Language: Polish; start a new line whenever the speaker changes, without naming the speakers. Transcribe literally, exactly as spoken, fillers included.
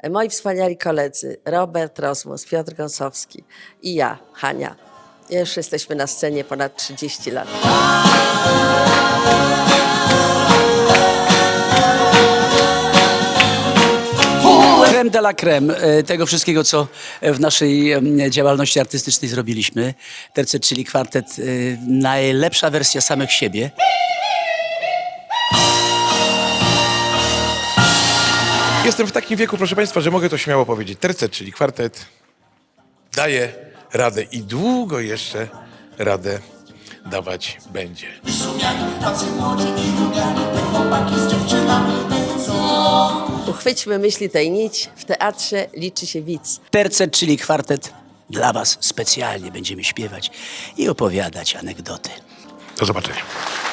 moi wspaniali koledzy Robert Rozmus, Piotr Gąsowski i ja, Hania. Już jesteśmy na scenie ponad trzydzieści lat.
Creme de la creme tego wszystkiego, co w naszej działalności artystycznej zrobiliśmy. Tercet, czyli kwartet, najlepsza wersja samych siebie.
Jestem w takim wieku, proszę Państwa, że mogę to śmiało powiedzieć. Tercet, czyli kwartet, daje radę i długo jeszcze radę dawać będzie.
Uchwyćmy myśli tej nić, w teatrze liczy się widz.
Tercet, czyli kwartet, dla Was specjalnie będziemy śpiewać i opowiadać anegdoty.
Do zobaczenia.